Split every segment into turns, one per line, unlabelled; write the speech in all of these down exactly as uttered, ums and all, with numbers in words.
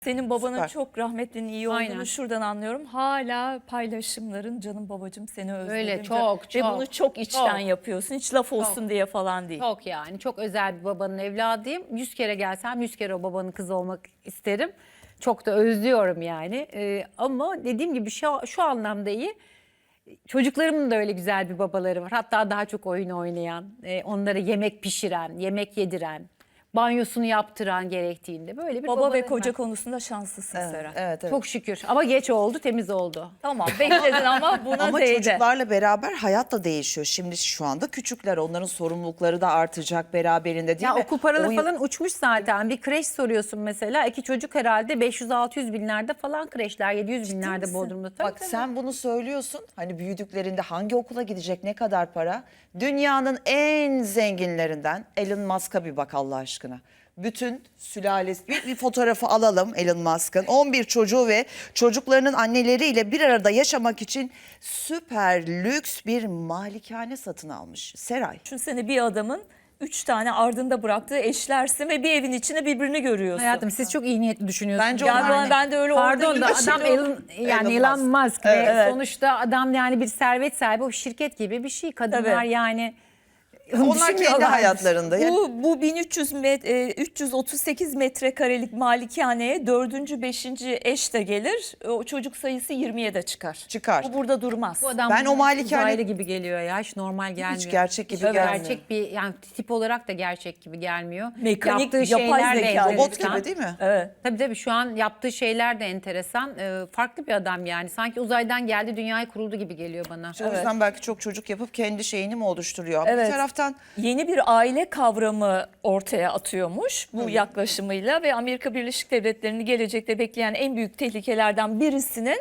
Senin babanın
Süper.
çok rahmetlinin iyi olduğunu
Aynen.
şuradan anlıyorum. Hala paylaşımların canım babacığım seni özledim.
Öyle, çok,
Ve
çok,
bunu çok içten
çok.
yapıyorsun. Hiç laf olsun diye falan değil.
Çok yani çok özel bir babanın evladıyım. Yüz kere gelsem yüz kere o babanın kızı olmak isterim. Çok da özlüyorum yani. Ee, ama dediğim gibi şu, şu anlamda iyi. Çocuklarımın da öyle güzel bir babaları var. Hatta daha çok oyun oynayan, e, onlara yemek pişiren, yemek yediren, banyosunu yaptıran gerektiğinde böyle bir
Baba ve
babalarım
koca
var.
konusunda şanslısın Seren.
Evet, evet.
Çok şükür ama geç oldu, temiz oldu.
Tamam bekledin ama buna
Ama
değdi.
çocuklarla beraber hayat da değişiyor. Şimdi şu anda küçükler, onların sorumlulukları da artacak beraberinde değil
Ya
mi?
okul paraları
On yıl-
falan uçmuş zaten. Bir kreş soruyorsun mesela. İki çocuk herhalde beş yüz altı yüz binlerde falan kreşler. yedi yüz binlerde
misin?
Bodrum'da. Tabii,
Bak
tabii.
sen bunu söylüyorsun. Hani büyüdüklerinde hangi okula gidecek, ne kadar para? Dünyanın en zenginlerinden Elon Musk'a bir bak Allah aşkına. Bütün sülalesi, bir, bir fotoğrafı alalım Elon Musk'ın. on bir çocuğu ve çocuklarının anneleriyle bir arada yaşamak için süper lüks bir malikane satın almış. Seray.
Düşünsene bir adamın üç tane ardında bıraktığı eşlersin ve bir evin içinde birbirini görüyorsun.
Hayatım siz çok iyi niyetli düşünüyorsunuz.
Bence
Yani
onlar
ben,
ne?
ben de öyle
Pardon
orada
da
gibi
adam
şimdi o-
Elon, yani
Elon
Elon
Musk.
Musk ve
Evet.
sonuçta adam yani bir servet sahibi, o şirket gibi bir şey. Kadınlar
Tabii.
yani
Onlar kendi
düşünmüyorlar.
hayatlarında. Yani
Bu, bu bin üç yüz met, e, üç yüz otuz sekiz metrekarelik malikaneye dördüncü, beşinci eş de gelir. O çocuk sayısı yirmiye de çıkar.
Çıkar.
Bu burada durmaz.
Bu adam
Ben o
bana
malikane-
uzaylı gibi geliyor ya. Hiç normal gelmiyor.
gerçek gibi
Hiç
gelmiyor.
Gerçek bir yani tip olarak da gerçek gibi gelmiyor.
Mekanik,
Yaptığı
yapay
şeyler de
zeka.
robot
enteresan.
gibi değil mi?
Evet.
Tabii tabii şu an yaptığı şeyler de enteresan. Ee, farklı bir adam yani. Sanki uzaydan geldi, dünyayı kuruldu gibi geliyor bana.
O yüzden belki çok çocuk yapıp kendi şeyini mi oluşturuyor?
Evet.
Bir taraftan
Yeni bir aile kavramı ortaya atıyormuş bu yaklaşımıyla ve Amerika Birleşik Devletleri'ni gelecekte bekleyen en büyük tehlikelerden birisinin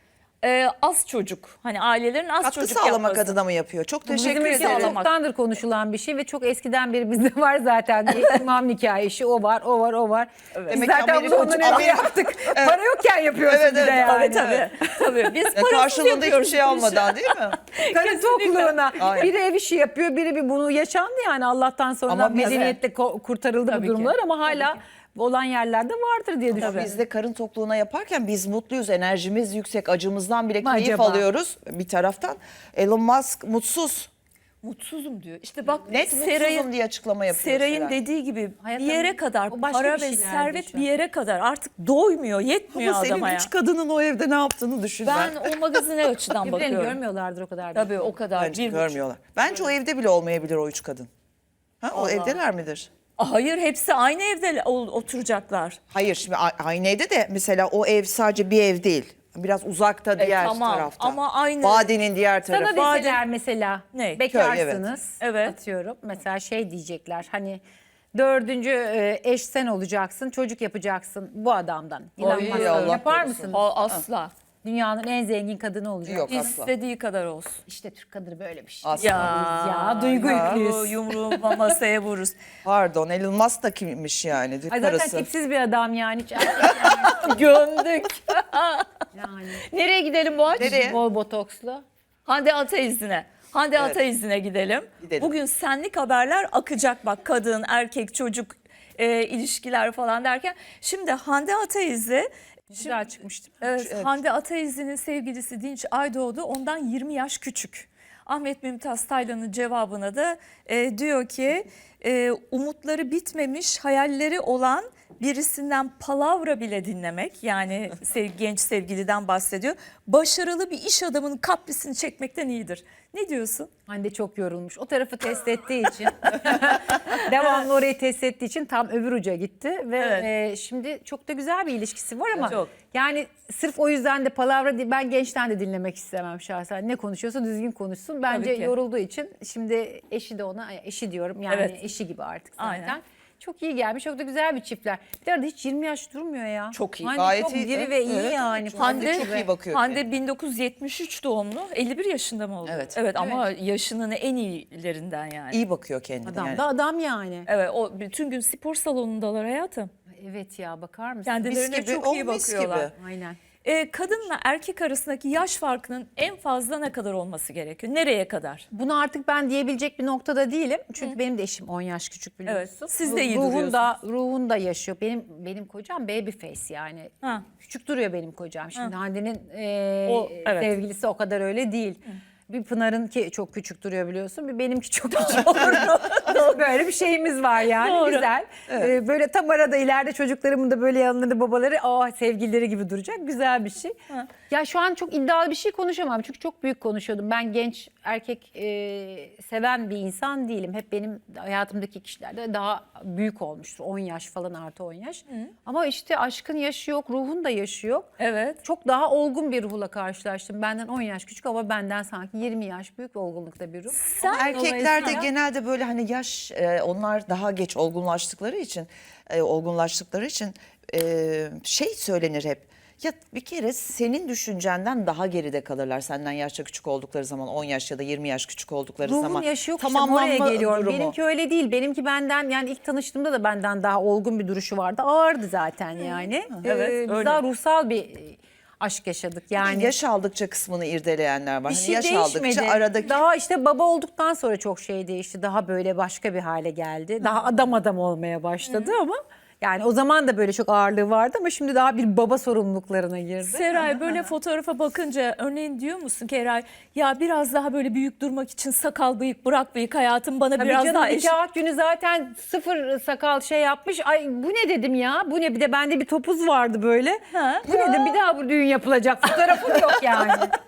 e, az çocuk. Hani ailelerin az
katkı
çocuk
sağlamak
yapması.
adına mı yapıyor? Çok
Bizim
teşekkür
ülkede
ederim.
sağlamak.
çoktandır konuşulan bir şey ve çok eskiden beri bizde var zaten. İmam nikahı işi, o var, o var, o var. Biz
Demek ki
zaten bunu
Amerika-
ondan önce
Amerika-
yaptık. Para yokken yapıyorsun
Evet,
bir de
evet,
yani.
Tabii tabii. tabii. Biz
Yani
parasız
karşılığında hiçbir
yapıyoruz
şey
bu işi.
almadan değil mi?
Karın tokluğuna.
Aynen.
Biri ev işi yapıyor, biri bir bunu yaşandı yani Allah'tan sonra
Ama biz-
medeniyetle ko- kurtarıldı
Tabii
bu
ki.
durumlar ama hala olan yerlerde vardır diye düşünüyorum.
Biz de karın tokluğuna yaparken biz mutluyuz. Enerjimiz yüksek. Acımızdan bile
Mı
keyif
acaba?
alıyoruz bir taraftan. Elon Musk mutsuz.
Mutsuzum diyor. İşte bak
Net
Seray'ın
mutsuzum diye açıklama yapıyor.
Seray'ın
Seray.
dediği gibi
Hayatım,
bir yere kadar
o başka
para
bir
ve
şeylerde
servet
şu
bir
an.
yere kadar artık doymuyor, yetmiyor
Ama senin
adama ya.
üç kadının o evde ne yaptığını düşün
Ben
ben.
o magazine açıdan
Birbirlerini
bakıyorum.
görmüyorlardır o kadar.
Tabii o kadar.
Bence
bir buçuk.
görmüyorlar. Bence o evde bile olmayabilir o üç kadın. Ha, o evdeler midir?
Hayır hepsi aynı evde ol- oturacaklar.
Hayır şimdi a- aynı evde de mesela o ev sadece bir ev değil. Biraz uzakta diğer
tamam,
tarafta.
ama aynı-
Vadinin diğer tarafı.
Sana deseler mesela
Ne?
bekarsınız
Köy, evet.
atıyorum mesela şey diyecekler hani dördüncü e, eş sen olacaksın, çocuk yapacaksın bu adamdan. Elon
Ay,
Musk'ın.
Allah
Yapar
korusun.
mısınız?
O asla.
Dünyanın en zengin kadını olacak.
Yok. Asla.
İstediği kadar olsun.
İşte Türk kadını böyle bir şey.
Asla.
Ya, duygu
ya,
yüklüyüz.
Yumruğu masaya vururuz.
Pardon Elon Musk da kimmiş yani?
Ay zaten
Karısı.
tipsiz bir adam yani. Hiç erkek yani.
Gömdük.
yani.
Nereye gidelim Boğaç?
Nereye?
Bol botokslu.
Hande Ataizli'ne. Hande
Evet.
Ataizli'ne gidelim.
Gidelim.
Bugün senlik haberler akacak bak kadın, erkek, çocuk e, ilişkiler falan derken. Şimdi Hande Ataizli
Güzel çıkmıştı.
Evet,
Evet.
Hande Ataizli'nin sevgilisi Dinç Aydoğdu ondan yirmi yaş küçük. Ahmet Mümtaz Taylan'ın cevabına da e, diyor ki e, umutları bitmemiş hayalleri olan birisinden palavra bile dinlemek, yani sev, genç sevgiliden bahsediyor. Başarılı bir iş adamının kaprisini çekmekten iyidir. Ne diyorsun?
Hande çok yorulmuş. O tarafı test ettiği için devamlı orayı test ettiği için tam öbür uca gitti ve
Evet.
e, şimdi çok da güzel bir ilişkisi var ama
Çok.
yani sırf o yüzden de palavra değil, ben gençten de dinlemek istemem şahsen. Ne konuşuyorsa düzgün konuşsun. Bence
Tabii ki.
yorulduğu için şimdi eşi de ona eşi diyorum yani
Evet.
eşi gibi artık zaten.
Aynen.
Çok iyi gelmiş. Çok da güzel bir çiftler. Bir de arada hiç yirmi yaş durmuyor ya.
Çok iyi.
Hande
Gayet
çok
iyi.
diri
Evet,
ve iyi
evet.
yani.
Hande çok iyi bakıyor
Hande bin dokuz yüz yetmiş üç doğumlu, elli bir yaşında mı oldu?
Evet.
Evet ama yaşının en iyilerinden yani.
İyi bakıyor kendine.
Adam
yani.
da adam yani.
Evet, o bütün gün spor salonundalar hayatım.
Evet ya, bakar mısın?
Kendilerine
Mis gibi,
çok
o
iyi
mis
bakıyorlar.
gibi.
Aynen.
e, kadınla erkek arasındaki yaş farkının en fazla ne kadar olması gerekiyor? Nereye kadar?
Bunu artık ben diyebilecek bir noktada değilim. Çünkü benim de eşim on yaş küçük biliyorsun.
Evet, siz de iyi
ruhun da, ruhun da yaşıyor. Benim benim kocam baby face yani.
Ha.
Küçük duruyor benim kocam. Şimdi Hande'nin e,
O, evet.
sevgilisi o kadar öyle değil. Bir Pınar'ın ki çok küçük duruyor biliyorsun. Bir benimki çok küçük olur. Böyle bir şeyimiz var yani.
Doğru.
Güzel. Ee, böyle tam arada ileride çocuklarımın da böyle yanlarında babaları aa sevgilileri gibi duracak. Güzel bir şey.
Ha.
Ya şu an çok iddialı bir şey konuşamam. Çünkü çok büyük konuşuyordum. Ben genç erkek e, seven bir insan değilim. Hep benim hayatımdaki kişilerde daha büyük olmuştur. on yaş falan artı on yaş. Ama işte aşkın yaşı yok, ruhun da yaşı yok.
Evet.
Çok daha olgun bir ruhla karşılaştım. Benden on yaş küçük ama benden sanki yirmi yaş büyük olgunlukta bir ruh.
Sen
Erkeklerde
dolayısıyla-
genelde böyle hani yaş e, onlar daha geç olgunlaştıkları için e, olgunlaştıkları için e, şey söylenir hep. Ya bir kere senin düşüncenden daha geride kalırlar senden yaşça küçük oldukları zaman, on yaş ya da yirmi yaş küçük oldukları
Ruhun
zaman.
yaşı yok işte oraya
Tamamlanma
geliyorum.
durumu.
Benimki öyle değil. Benimki benden yani ilk tanıştığımda da benden daha olgun bir duruşu vardı. Ağırdı zaten yani.
Evet,
Ee, biz
öyle.
daha ruhsal bir e, aşk yaşadık yani.
Yani yaş aldıkça kısmını irdeleyenler var.
Bir
Hani
şey
yaş
değişmedi.
aldıkça aradaki
Daha işte baba olduktan sonra çok şey değişti. Daha böyle başka bir hale geldi. Daha adam adam olmaya başladı ama yani o zaman da böyle çok ağırlığı vardı ama şimdi daha bir baba sorumluluklarına girdi.
Seray böyle fotoğrafa bakınca örneğin diyor musun ki Eray ya biraz daha böyle büyük durmak için sakal bıyık bırak bıyık hayatım bana
Tabii
biraz
canım,
daha eşit.
nikah günü zaten sıfır sakal şey yapmış. Ay bu ne dedim ya? Bu ne? Bir de bende bir topuz vardı böyle.
Ha.
Bu ne dedim? Bir daha bu düğün yapılacak. Fotoğrafım yok yani.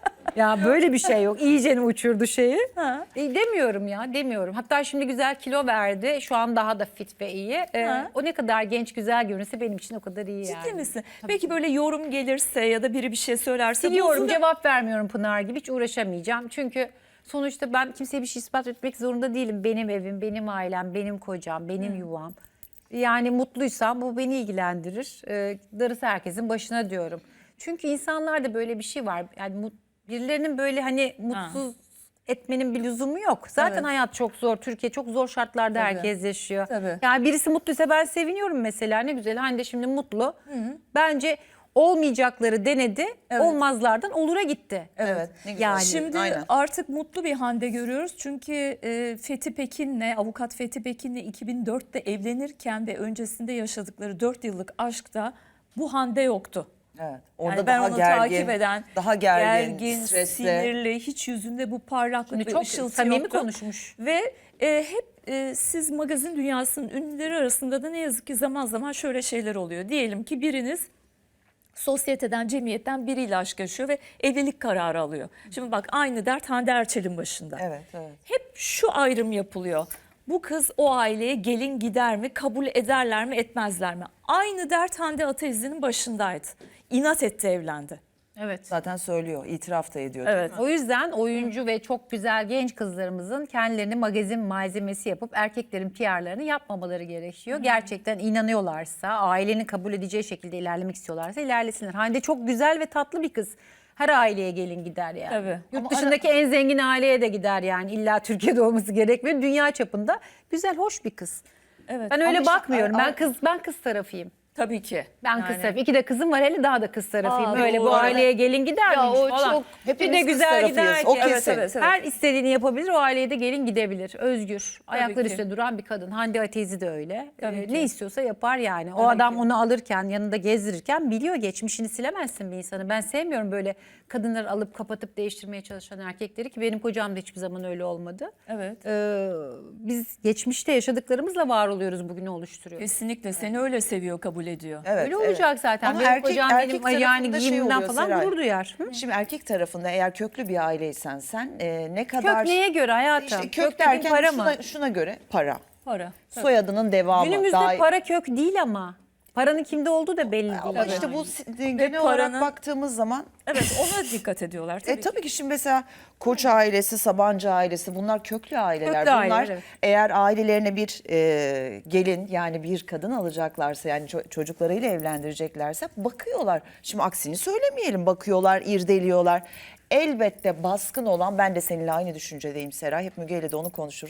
Ya böyle bir şey yok. İyicene uçurdu şeyi.
Ha.
E, demiyorum ya demiyorum. Hatta şimdi güzel kilo verdi. Şu an daha da fit ve iyi. E,
Ha.
o ne kadar genç güzel görünse benim için o kadar iyi yani.
Ciddi misin? Peki böyle yorum gelirse ya da biri bir şey söylerse
Biliyorum
bozulur-
cevap vermiyorum Pınar gibi hiç uğraşamayacağım. Çünkü sonuçta ben kimseye bir şey ispat etmek zorunda değilim. Benim evim, benim ailem, benim kocam, benim yuvam. Yani mutluysam bu beni ilgilendirir. Ee, darısı herkesin başına diyorum. Çünkü insanlarda böyle bir şey var. Yani mut- birilerinin böyle hani mutsuz etmenin bir lüzumu yok. Zaten
Evet.
hayat çok zor. Türkiye çok zor şartlarda
Tabii.
herkes yaşıyor.
Tabii.
Yani birisi mutluysa ben seviniyorum mesela. Ne güzel. Hande şimdi mutlu. Bence olmayacakları denedi.
Evet.
Olmazlardan olura gitti.
Evet, ne güzel.
Yani
Şimdi
Aynen.
artık mutlu bir Hande görüyoruz. Çünkü e, Fethi Pekin'le, avukat Fethi Pekin'le iki bin dörtte evlenirken ve öncesinde yaşadıkları dört yıllık aşkta bu Hande yoktu.
Evet. Orada
Yani ben
daha
onu
gergin,
takip eden,
daha gergin, stresli.
sinirli, hiç yüzünde bu parlaklık
Şimdi
ve
çok
ışıltı
samimi
yoktu.
konuşmuş.
Ve e, hep e, siz magazin dünyasının ünlüleri arasında da ne yazık ki zaman zaman şöyle şeyler oluyor. Diyelim ki biriniz sosyeteden, cemiyetten biriyle aşk yaşıyor ve evlilik kararı alıyor. Şimdi bak aynı dert Hande Erçel'in başında.
Evet, evet.
Hep şu ayrım yapılıyor. Bu kız o aileye gelin gider mi, kabul ederler mi, etmezler mi? Aynı dert Hande Ataizli'nin başındaydı. İnat etti, evlendi.
Evet.
Zaten söylüyor, itiraf da ediyor.
Evet.
O yüzden oyuncu ve çok güzel genç kızlarımızın kendilerini magazin malzemesi yapıp erkeklerin P R'larını yapmamaları gerekiyor. Gerçekten inanıyorlarsa, ailenin kabul edeceği şekilde ilerlemek istiyorlarsa ilerlesinler. Hande çok güzel ve tatlı bir kız. Her aileye gelin gider yani.
Tabii.
Yurt
Ama
dışındaki en zengin aileye de gider yani. İlla Türkiye'de olması gerekmiyor. Dünya çapında güzel, hoş bir kız.
Evet.
Ben öyle
Ama işte-
bakmıyorum.
Ay-
Ben kız ben kız tarafıyım.
Tabii ki.
Ben
Yani
kız tarafı. İki de kızım var, hele daha da kız tarafıyım.
Aa,
Öyle bu
doğru.
aileye gelin gider
Ya
miymiş
o
falan.
çok-
Bir
hepimiz
de
kız
güzel
tarafıyız.
gider ki.
O
Evet,
kesin.
evet, evet.
Her istediğini yapabilir, o aileye de gelin gidebilir. Özgür. Ayakları
ki.
üstünde duran bir kadın. Hande Atezi de öyle.
Tabii
Ee,
ki.
ne istiyorsa yapar yani. O
Tabii
adam
ki.
onu alırken, yanında gezdirirken biliyor, geçmişini silemezsin bir insanı. Ben sevmiyorum böyle kadınları alıp kapatıp değiştirmeye çalışan erkekleri, ki benim kocam da hiçbir zaman öyle olmadı.
evet.
Ee, biz geçmişte yaşadıklarımızla var oluyoruz, bugünü oluşturuyoruz.
Kesinlikle seni öyle seviyor, kabul ediyor.
Evet,
Öyle
evet.
olacak zaten.
Ama
Benim
erkek-
kocam
erkek
benim yani
tarafında şey
giyimimden
oluyor
falan
Seray.
gurur duyar. Hı?
Şimdi erkek tarafında eğer köklü bir aileysen sen e, ne kadar...
Kök neye göre hayatım?
İşte
kök
kök
dediğin
derken
para
şuna,
mı?
şuna göre para.
Para. Tabii.
Soyadının devamı.
Günümüzde
Daha-
para kök değil ama. Paranın kimde olduğu da belli değil.
Ama
yani.
işte bu si- genel
paranın-
olarak baktığımız zaman
Evet, ona dikkat ediyorlar tabii
e, tabii ki şimdi mesela Koç ailesi, Sabancı ailesi bunlar köklü aileler.
Köklü
bunlar
aileler, evet.
eğer ailelerine bir e, gelin yani bir kadın alacaklarsa yani ço- çocuklarıyla evlendireceklerse bakıyorlar. Şimdi aksini söylemeyelim, bakıyorlar, irdeliyorlar. Elbette baskın olan, ben de seninle aynı düşüncedeyim Seray, hep Müge ile de onu konuşuruz.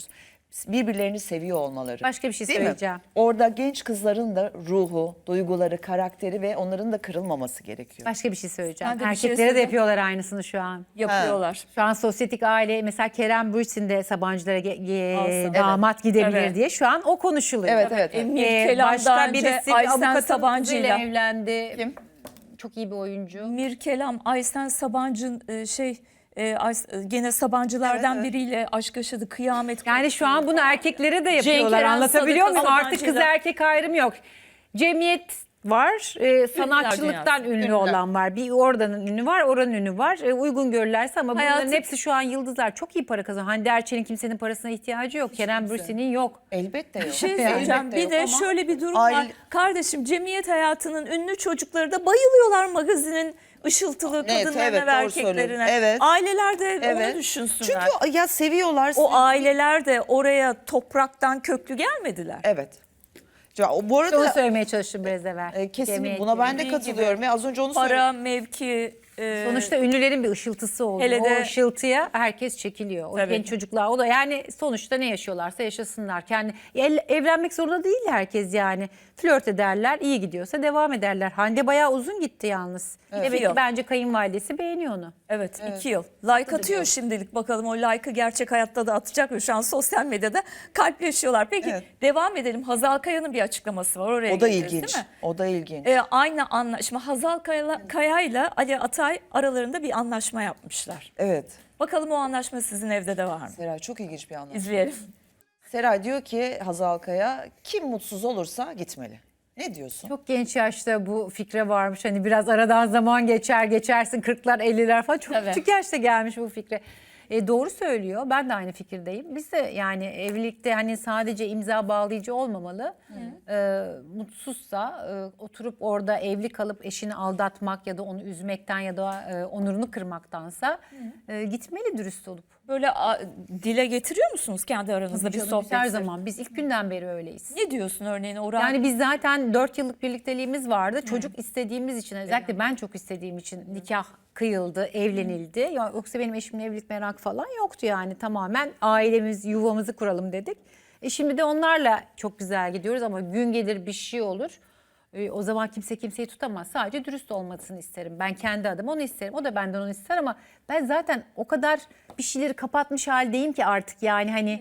birbirlerini seviyor olmaları.
Başka bir şey
Değil mi?
söyleyeceğim.
Orada genç kızların da ruhu, duyguları, karakteri ve onların da kırılmaması gerekiyor.
Başka bir şey söyleyeceğim.
Ben de bir şey
Erkeklere de
söyleyeyim.
yapıyorlar aynısını şu an.
Yapıyorlar.
Şu an sosyetik aile mesela Kerem Bürsin de Sabancılara ge- ge-
Alsın.
damat gidebilir
Evet.
diye şu an o konuşuluyor.
Evet, evet, evet.
Emir
Ee,
Kelam
başka
daha önce
birisi
Aysen
avukatın
Sabancı'yla.
kızıyla evlendi.
Kim?
Çok iyi bir oyuncu.
Mirkelam, Aysen Sabancı e, şey e, Ays- e, gene Sabancılardan
Evet, evet.
biriyle aşk yaşadı, kıyamet.
Yani şu an bunu erkeklere de yapıyorlar.
Eren
Anlatabiliyor
Sadık
muyum? Artık kız
Sabancı'yla.
erkek ayrımı yok. Cemiyet var. e, sanatçılıktan
dünyası.
ünlü
Ünlüler.
olan var. Bir oradanın ünü var, oranın ünü var. E, uygun görürlerse ama bunların
Hayatım-
hepsi şu an yıldızlar. Çok iyi para kazanıyor. Hande Erçel'in kimsenin parasına ihtiyacı yok. Kerem Bürsin'in yok.
Elbette yok.
Bir şey
Elbette
söyleyeceğim. Bir
yok
de
ama
şöyle bir durum var.
aile-
Kardeşim, cemiyet hayatının ünlü çocukları da bayılıyorlar magazinin ışıltılı
Evet,
kadınlarına
evet,
ve
doğru
erkeklerine.
söylüyorsun. Evet.
Aileler de
Evet.
onu düşünsünler.
Çünkü ya seviyorlar.
o aileler de oraya topraktan köklü gelmediler.
Evet. Ya, o- bu arada
Onu söylemeye çalıştım biraz evvel.
e, kesinlikle
Cemiyet
buna ben de
dediğin
katılıyorum. Ve az önce onu söyledim.
Para, mevki, e,
Sonuçta ünlülerin bir ışıltısı oluyor.
Hele de-
O ışıltıya herkes çekiliyor. O
Tabii.
genç çocuklar o da yani sonuçta ne yaşıyorlarsa yaşasınlar. Kendi el- evlenmek zorunda değil herkes yani. Flört ederler, iyi gidiyorsa devam ederler. Hande bayağı uzun gitti yalnız. Evet,
İki yıl.
ki bence kayınvalidesi beğeniyor onu.
Evet, iki yıl. Like atıyor şimdilik, bakalım o like'ı gerçek hayatta da atacak mı? Şu an sosyal medyada kalpleşiyorlar. Peki
Evet.
devam edelim. Hazal Kaya'nın bir açıklaması var. Oraya
O da
geleceğiz,
ilginç.
değil mi?
O da ilginç.
Ee, aynı anlaşma, Hazal Kaya, Kaya ile Ali Atay aralarında bir anlaşma yapmışlar.
Evet.
Bakalım o anlaşma sizin evde de var mı?
Seray çok ilginç bir anlamda.
İzleyelim.
Seray diyor ki Hazal Kaya, kim mutsuz olursa gitmeli. Ne diyorsun?
Çok genç yaşta bu fikre varmış. Hani biraz aradan zaman geçer, geçersin kırklar, elliler falan. Çok
Tabii.
küçük yaşta gelmiş bu fikre. E, doğru söylüyor. Ben de aynı fikirdeyim. Biz de yani evlilikte hani sadece imza bağlayıcı olmamalı. E, mutsuzsa e, oturup orada evli kalıp eşini aldatmak ya da onu üzmekten ya da e, onurunu kırmaktansa e, gitmeli dürüst olup.
Böyle a, dile getiriyor musunuz kendi aranızda bir
Canım, biz
sohbet?
her zaman biz ilk günden beri öyleyiz.
Ne diyorsun örneğin Orhan?
Yani biz zaten dört yıllık birlikteliğimiz vardı. Çocuk istediğimiz için, özellikle ben çok istediğim için nikah kıyıldı, evlenildi. Ya, yoksa benim eşimle evlilik merak falan yoktu yani. Tamamen ailemiz, yuvamızı kuralım dedik. E şimdi de onlarla çok güzel gidiyoruz ama gün gelir bir şey olur. E, o zaman kimse kimseyi tutamaz. Sadece dürüst olmasını isterim. Ben kendi adıma onu isterim. O da benden onu ister ama ben zaten o kadar bir şeyleri kapatmış haldeyim ki artık yani hani...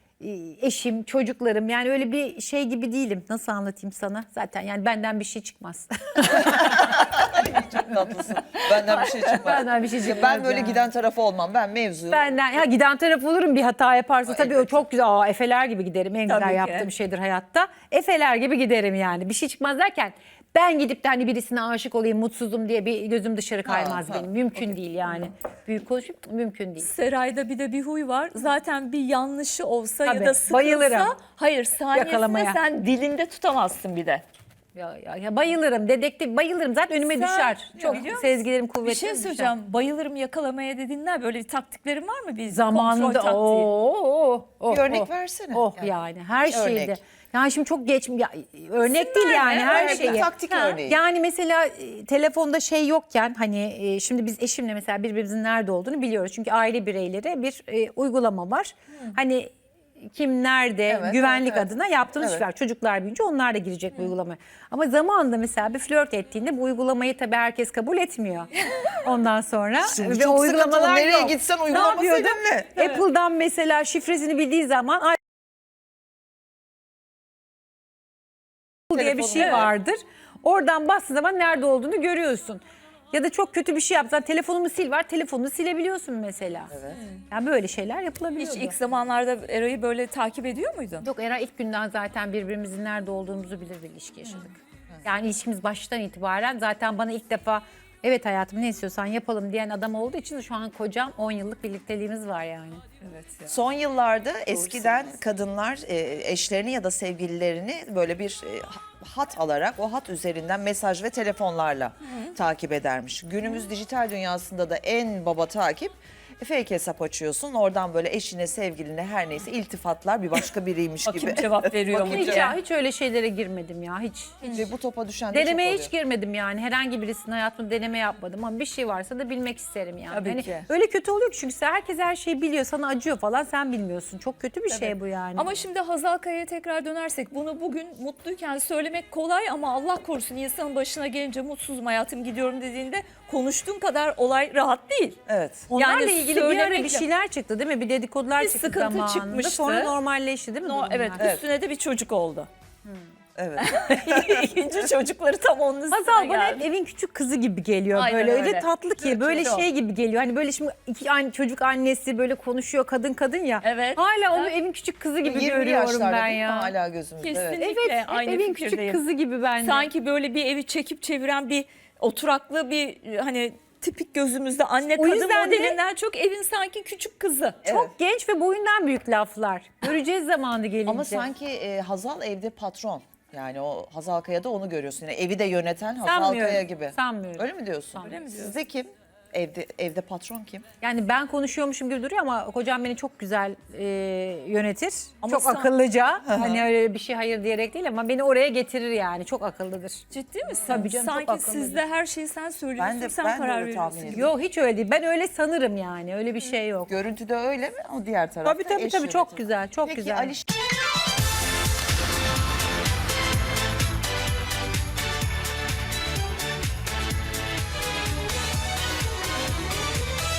eşim, çocuklarım yani öyle bir şey gibi değilim. Nasıl anlatayım sana? Zaten yani benden bir şey çıkmaz.
Çok tatlısın. Benden bir şey çıkmaz.
Benden bir şey
Ya
çıkmaz
ben böyle
yani.
giden tarafı olmam. Ben mevzuyu.
Benden ya giden taraf olurum bir hata yaparsa tabii o
elbette.
çok güzel. Aa, efeler gibi giderim. En
Tabii
güzel
ki.
yaptığım şeydir hayatta. Efeler gibi giderim yani. Bir şey çıkmaz derken ben gidip de hani birisine aşık olayım, mutsuzum diye bir gözüm dışarı kaymaz
ha,
benim. Mümkün değil yani. Büyük konuşup mümkün değil.
Seray'da bir de bir huy var. Zaten bir yanlışı olsa
Tabii,
ya da sıkılsa,
bayılırım.
hayır saniyesinde
Yakalamaya.
sen dilinde tutamazsın bir de.
Ya, ya, ya bayılırım. Dedektif bayılırım. Zaten önüme
Sen-
düşer.
Ya
Çok
biliyor musun?
sezgilerim kuvvetli.
Bir şey
düşer.
söyleyeceğim. Bayılırım yakalamaya dediğinden böyle bir taktiklerin var mı? Bir
Zamanında
kontrol taktiği.
oh, oh,
Bir örnek
oh.
versene.
Oh
Yani.
yani, her
Bir
şeyde.
örnek.
Yani şimdi çok geç ya, örnek değil yani her
Örnek,
şeyi.
bir taktik
Ha,
örneği.
Yani mesela e, telefonda şey yokken hani e, şimdi biz eşimle mesela birbirimizin nerede olduğunu biliyoruz. Çünkü aile bireyleri bir e, uygulama var. Hani kim nerede
Evet,
güvenlik
evet, evet.
adına yaptığımız
Evet.
şeyler. Çocuklar büyüyünce onlar da girecek bu uygulamaya. Ama zamanında mesela bir flört ettiğinde bu uygulamayı tabii herkes kabul etmiyor. Ondan sonra
Şimdi
ve
çok
o
sıkıntılı.
uygulamalar
Nereye
yok.
gitsen
Ne
uygulama
yapıyordum?
seninle.
Apple'dan mesela şifresini bildiği zaman ay diye bir şey
Telefonun-
vardır. Oradan bastığın zaman nerede olduğunu görüyorsun. Ya da çok kötü bir şey yapsan telefonumu sil var, telefonunu silebiliyorsun mesela. Evet. Yani böyle şeyler yapılabiliyor.
Hiç ilk zamanlarda Eray'ı böyle takip ediyor muydun?
Yok Era ilk günden zaten birbirimizin nerede olduğumuzu bilir bir ilişki yaşadık. Yani ilişkimiz baştan itibaren zaten bana ilk defa evet hayatım ne istiyorsan yapalım diyen adam olduğu için şu an kocam on yıllık birlikteliğimiz var yani.
Evet ya.
Son yıllarda eskiden kadınlar e, eşlerini ya da sevgililerini böyle bir e, hat alarak o hat üzerinden mesaj ve telefonlarla takip edermiş. Günümüz dijital dünyasında da en baba takip E, fake hesap açıyorsun. Oradan böyle eşine, sevgiline her neyse iltifatlar bir başka biriymiş
Bakayım
gibi.
cevap veriyor mu
Hiç,
diye.
ya, hiç öyle şeylere girmedim ya hiç.
Ve bu topa düşen de çok
Denemeye
oluyor.
hiç girmedim yani. Herhangi birisinin hayatımda deneme yapmadım ama bir şey varsa da bilmek isterim yani.
Tabii
Hani
ki.
öyle kötü oluyor ki çünkü herkes her şeyi biliyor, sana acıyor falan, sen bilmiyorsun. Çok kötü bir şey bu yani.
Ama şimdi Hazal Kaya'ya tekrar dönersek bunu bugün mutluyken söylemek kolay ama Allah korusun insanın başına gelince mutsuzum hayatım gidiyorum dediğinde konuştuğun kadar olay rahat değil.
Evet.
Onlarla
yani
ilgili bir ara bir
söylemekle-
şeyler çıktı değil mi? Bir dedikodular
Bir
çıktı
sıkıntı
zamanında.
çıkmıştı.
Sonra normalleşti değil mi?
No,
durumlar?
evet,
Evet.
üstüne de bir çocuk oldu.
Evet.
İkinci çocukları tam onun üstüne
Hazal bana
geldi.
hep evin küçük kızı gibi geliyor.
Aynen
böyle öyle
öyle.
tatlı ki, böyle
Çok.
şey gibi geliyor. Hani böyle şimdi iki an, çocuk annesi böyle konuşuyor kadın kadın ya.
Evet.
Hala onu
Evet.
evin küçük kızı gibi
yirmi
görüyorum
yaşlarda
ben
değil mi?
ya.
Hala gözümüzde. Evet.
Kesinlikle
Evet, hep
aynı
evin küçük
fikirdeyim.
kızı gibi bence.
Sanki böyle bir evi çekip çeviren bir oturaklı bir hani tipik gözümüzde anne
O
kadın
yüzden de-
modelinden çok evin sanki küçük kızı.
Çok genç ve boyundan büyük laflar. Göreceğiz zamanı gelince.
Ama sanki e, Hazal evde patron. Yani o Hazal Kaya'da onu görüyorsun. Yani evi de yöneten Hazal
Sanmıyorum,
Kaya gibi.
sanmıyorum.
Öyle mi diyorsun?
Sanmıyorum. Öyle mi
Sizde kim? Evde evde patron kim?
Yani ben konuşuyormuşum gibi duruyor ama kocam beni çok güzel e, yönetir.
Ama
çok
sen-
akıllıca. Hani öyle bir şey hayır diyerek değil ama beni oraya getirir yani. Çok akıllıdır.
Ciddi misin?
Tabii canım, çok
Sanki
akıllıdır.
sizde her şeyi sen söylüyorsun,
Ben de-
sen
ben de
karar
öyle tahmin
veriyorsun.
ediyorum.
Yok hiç öyle değil. Ben öyle sanırım yani. Öyle bir şey yok.
Görüntüde öyle mi? O diğer tarafta
Tabii tabii
eş
tabii çok
yönetiyor.
güzel. Çok
Peki
güzel.
Ali